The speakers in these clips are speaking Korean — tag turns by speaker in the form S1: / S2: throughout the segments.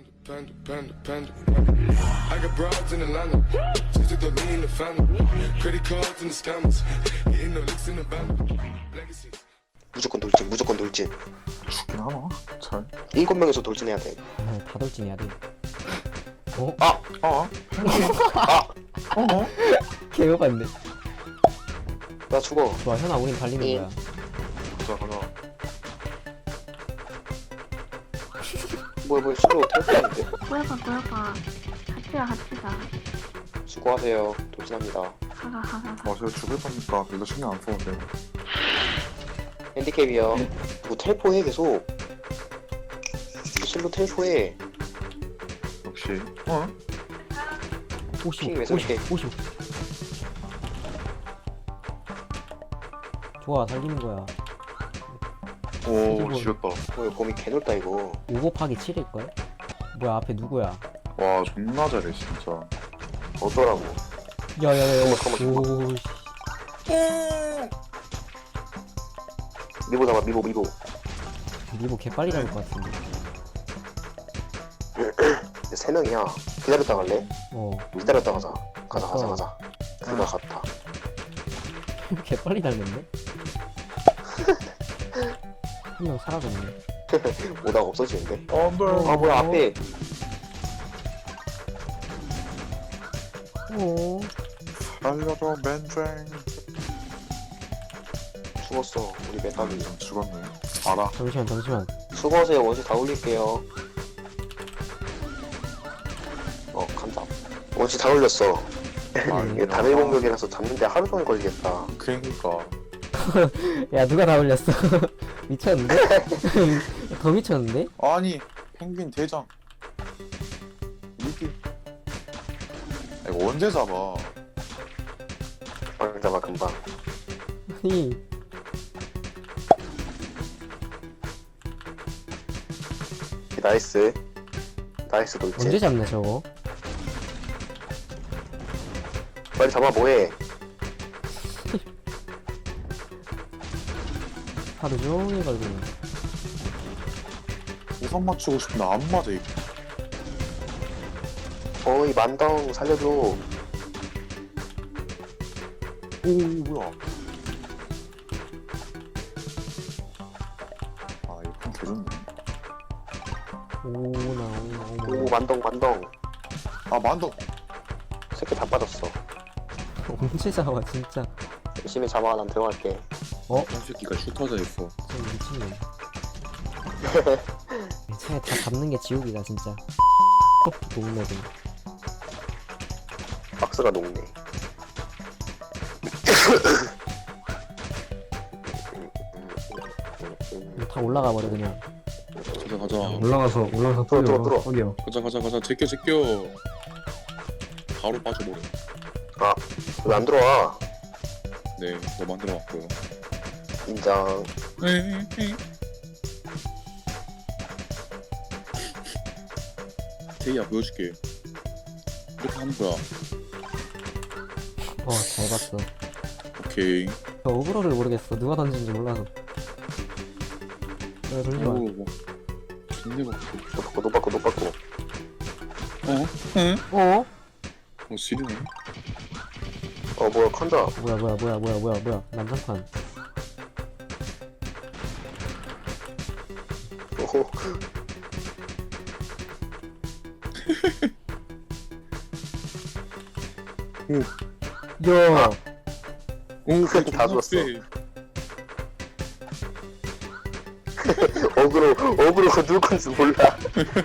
S1: I got broads in Atlanta. Just to lean the family. Credit cards and the scammers. Hitting the licks in the band. Legacies.
S2: 무조건 돌진, 무조건 돌진.
S3: 죽긴 하나? 잘.
S2: 7명에서 돌진해야 돼.
S4: 다 돌진해야 돼. 어? 개요반데.
S2: 나 죽어.
S4: 좋아, 현아, 우린 달리는
S2: 예.
S4: 거야.
S3: 가자.
S2: 뭐야, 술로 탈퇴하는데.
S5: 꼬여봐. 같이가.
S2: 수고하세요. 돌진합니다.
S3: 아, 제가 죽을 거니까 별로 신경 안 써도 돼.
S2: 핸디캡이요. 뭐 텔포해 계속. 실로 텔포해.
S3: 역시.
S4: 55,
S2: 왜 저렇게.
S4: 55. 좋아, 달리는 거야.
S3: 오, 지렸다.
S2: 뭐야, 범위 개놀다 이거.
S4: 5 곱하기 7일걸? 뭐야, 앞에 누구야?
S3: 와, 존나 잘해, 진짜.
S2: 어쩌라고.
S4: 야야야야.
S2: 잠깐만.
S4: 오, 씨.
S2: 미보 잡아, 미보.
S4: 니보 개빨리 잡을 것 같은데.
S2: 3명이야. 기다렸다 갈래? 기다렸다 가자. 가자. 그가 갔다.
S4: 개빨리 달렸네? 한 명 사라졌네.
S2: 오다가 없어지는데.
S3: 안 돼.
S2: 아, 뭐야, 앞에.
S4: 오.
S3: 살려줘, 맨쟁.
S2: 죽었어. 우리 맨땅이.
S3: 죽었네. 알아.
S4: 잠시만.
S2: 수고하세요. 원시 다 올릴게요. 간다. 원시 다 올렸어. 이게 단일 공격이라서 잡는데 하루 종일 걸리겠다.
S3: 그러니까.
S4: 야, 누가 다 올렸어? 미쳤는데? 더 미쳤는데?
S3: 아니, 펭귄 대장. 이게. 이거 언제 잡아?
S2: 잡아, 금방.
S4: 아니,
S2: 나이스 돌진.
S4: 언제 잡냐, 저거?
S2: 빨리 잡아, 뭐해.
S4: 하루 종일 걸리네.
S3: 우선 맞추고 싶은데 안 맞아, 이거.
S2: 이 만덩 살려줘.
S3: 오, 뭐야. 아, 이거 좀 개좋네.
S2: 오, 만덩.
S3: 아, 만덕.
S2: 새끼 다 빠졌어.
S4: 언제 잡아, 진짜.
S2: 열심히 잡아, 난 들어갈게.
S3: 이 새끼가 슈터자 있어.
S4: 진짜 미친놈. 차에 다 잡는 게 지옥이다, 진짜. 동네들.
S2: 박스가 녹네.
S4: 다 올라가 버려, 그냥.
S3: 가자.
S6: 올라가서
S2: 들어.
S6: 어디요?
S3: 가자. 제껴. 바로 빠져버려.
S2: 왜 안 들어와?
S3: 네, 너 만들어 왔고요.
S2: 인정.
S3: 제이야, 보여줄게. 이렇게 하는 거야.
S4: 잘 봤어.
S3: 오케이.
S4: 저 오브로를 모르겠어. 누가 던진지 몰라서. 내가 돌지 마.
S3: 오, 뭐. 존내 받고.
S2: 노 받고.
S4: 어?
S3: 지르네.
S2: 뭐야, 컨자.
S4: 뭐야. 난장판.
S2: 오호.
S4: 야!
S3: 오,
S2: 다 죽었어. 어그로 누구 건지 몰라.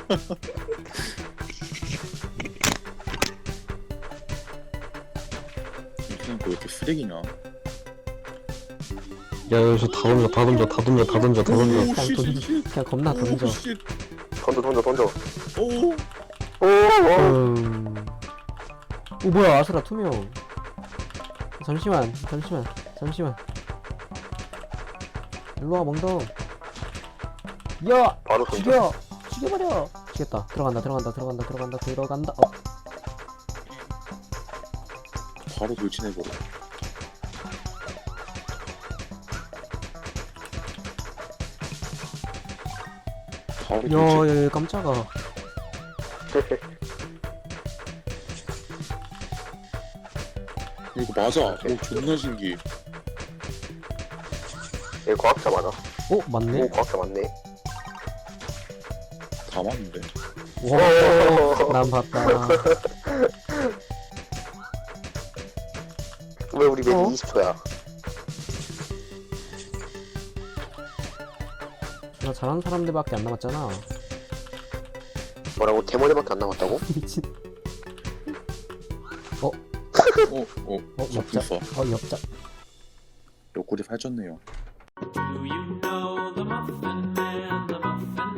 S3: 그냥 왜 이렇게 쓰레기냐?
S6: 야 여기서 다 던져.
S4: 그냥 그냥 겁나 던져.
S2: 던져.
S3: 오,
S4: 오, 뭐야, 아수라 투명. 잠시만. 일로와, 멍덩. 야!
S2: 바로 던져.
S4: 죽여버려! 죽였다. 들어간다.
S3: 바로 돌진해버려. 바로 돌진.
S4: 야, 깜짝아.
S7: 이거 맞아. 오, 존나 신기해.
S2: 얘 과학자 맞아.
S4: 오 맞네.
S2: 오 과학자 맞네.
S7: 다 맞는데.
S4: 난 봤다.
S2: 왜 우리 맨
S4: 어?
S2: 20초야?
S4: 나 잘하는 사람들밖에 안 남았잖아.
S2: 뭐라고? 대머리밖에 안 남았다고?
S4: 미친.
S7: 어,
S4: 엽자.
S7: 접근서.
S4: 엽자.
S7: 옆구리 살쪘네요.
S8: Do you know the Muffin Man? The Muffin